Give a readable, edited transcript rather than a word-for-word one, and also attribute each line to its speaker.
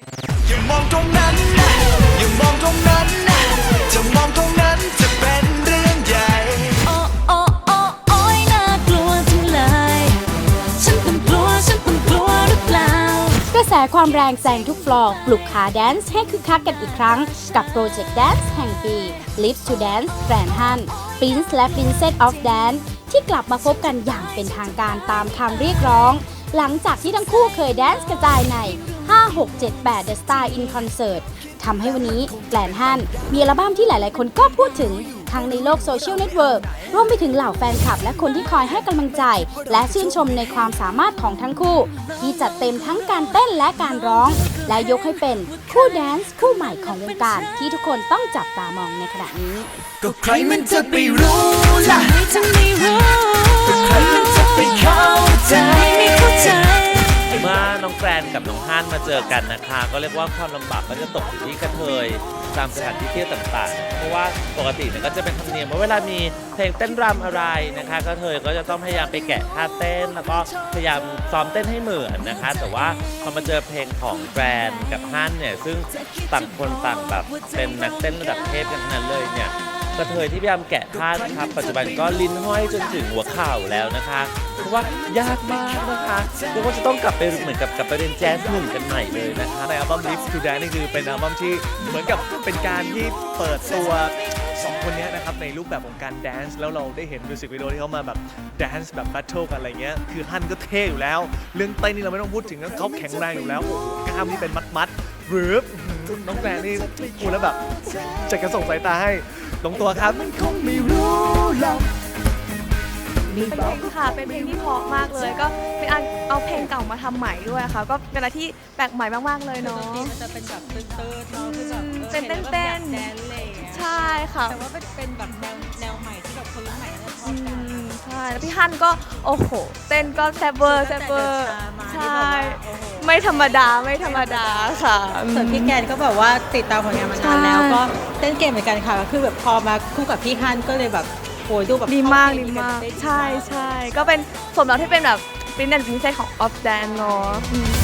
Speaker 1: อย่ามองตรงนั้นนะอย่ามองตรงนั้นนะจะมองตรงนั้นจะเป็นเรื่องใหญ่
Speaker 2: โอ้โอ้โอ้โอ้ยน่ากลัวจังเลยฉันต้องกลัวหรือเปล่ากระแสความแรงแซงทุกฟลอร์ปลุกขาแดนซ์ให้คึกคักกันอีกครั้งกับโปรเจกต์แดนซ์แห่งปี Live to Dance แกรนด์ฮัน Prince และ Princess of Dance ที่กลับมาพบกันอย่างเป็นทางการตามคำเรียกร้อง หลังจากที่ทั้งคู่เคยแดนซ์กระจายใน 5 6 7 8 The Star in Concert ทำให้วันนี้แกรนด์ฮันมีอัลบั้มที่หลายๆคนก็พูดถึงทั้งในโลกโซเชียลเน็ตเวิร์กรวมไปถึงเหล่าแฟนคลับและคนที่คอยให้กำลังใจ และชื่นชมในความสามารถของทั้งคู่ ที่จัดเต็มทั้งการเต้นและการร้อง และยกให้เป็นคู่แดนซ์คู่ใหม่ของวงการที่ทุกคนต้องจับตามองในขณะนี้
Speaker 1: ก็ใครมันจะไปรู้ล่ะ
Speaker 2: จะไม่รู้
Speaker 1: ก็ใครมันจะไปเข้าใจ
Speaker 2: ไม่เข้าใจ
Speaker 3: เมื่อน้องแกรนกับน้องฮั่นมาเจอกันนะคะ ก็เรียกว่าความลำบากก็จะตกอยู่ที่กระเทยตามสถานที่เที่ยวต่างๆ เพราะว่าปกติเนี่ยก็จะเป็นธรรมเนียมว่าเวลามีเพลงเต้นรำอะไรนะคะกระเทยก็จะต้องพยายามไปแกะท่าเต้น แล้วก็พยายามซ้อมเต้นให้เหมือนนะคะ แต่ว่าพอมาเจอเพลงของแกรนกับฮั่นเนี่ยซึ่งต่างคนต่างแบบเป็นนักเต้นระดับเทพกันทั้งนั้นเลยเนี่ยกระเทยที่พยายามแกะท่านะครับปัจจุบันก็ลิ้นห้อยจนถึงหัวเข่าแล้วนะคะเพราะว่ายากมากนะคะเรียกว่าจะต้องกลับไปเหมือนกับกลับไปเรียนแจ๊สหนึ่งกันใหม่เลยนะคะ
Speaker 4: ในอัลบั้ม Live to Dance นี่คือเป็นอัลบั้มที่เหมือนกับเป็นการที่เปิดตัวสองคนนี้นะครับในรูปแบบของการแดนซ์แล้วเราได้เห็นมิวสิกวิดีโอที่เขามาแบบแดนซ์แบบแบทเทิลกันอะไรเงี้ยคือฮั่นก็เท่อยู่แล้ว เรื่องเต้นนี่เราไม่ต้องพูดถึงเขาแข็งแรงอยู่แล้วโอ้โหกล้ามนี่เป็นมัดหรือน้องแกรนนี่พูดแล้วแบบจะกระส่งสายตาให้ลงตัวครับ
Speaker 1: คงไม่รู้หรอก
Speaker 5: เป็นเพลงค่ะ เป็นเพลงที่เพราะมากเลย ก็เป็นอันเอาเพลงเก่ามาทำใหม่ด้วยค่ะ ก็เป็นอะไรที่แปลกใหม่มากๆเลยเนาะ
Speaker 6: มันจะเป็นแบบเติร์ดๆเนาะคือแบบ
Speaker 5: เป็นเต้นๆ
Speaker 6: แดนอะไรอย่างเงี้ย
Speaker 5: ใช่ค่ะ
Speaker 6: แต่ว่าเป็นแบบแนวใหม่ที่แบบคนรุ่นใหม่น่าจะชอ
Speaker 5: อื
Speaker 6: บกัน
Speaker 5: มใช่ แล้วพี่ฮั่นก็โอ้โห เต้นก็แซ่บเวอร์
Speaker 6: ตั้งแต่
Speaker 5: ใช่
Speaker 6: เดินทางมาที่บอกว่าโอ้โห
Speaker 5: ไม่ธรรมดาค่ะ
Speaker 7: ส่วนพี่แกนก็แบบว่าติดตามผลงานมานานแล้ว
Speaker 5: ใช่
Speaker 7: ก็เต้นเก่งเหมือนกันค่ะก็คือแบบพอมาคู่กับพี่ฮั่นก็เลยแบบโอ้ยดูแบบ
Speaker 5: ดีมาก
Speaker 7: เข้
Speaker 5: ดี
Speaker 7: เพลง
Speaker 5: มาก
Speaker 7: นเต้น
Speaker 5: ใช่ก็เป็นสมแล้วที่เป็นแบบ Prince and Princess ของ of Dance เนาะ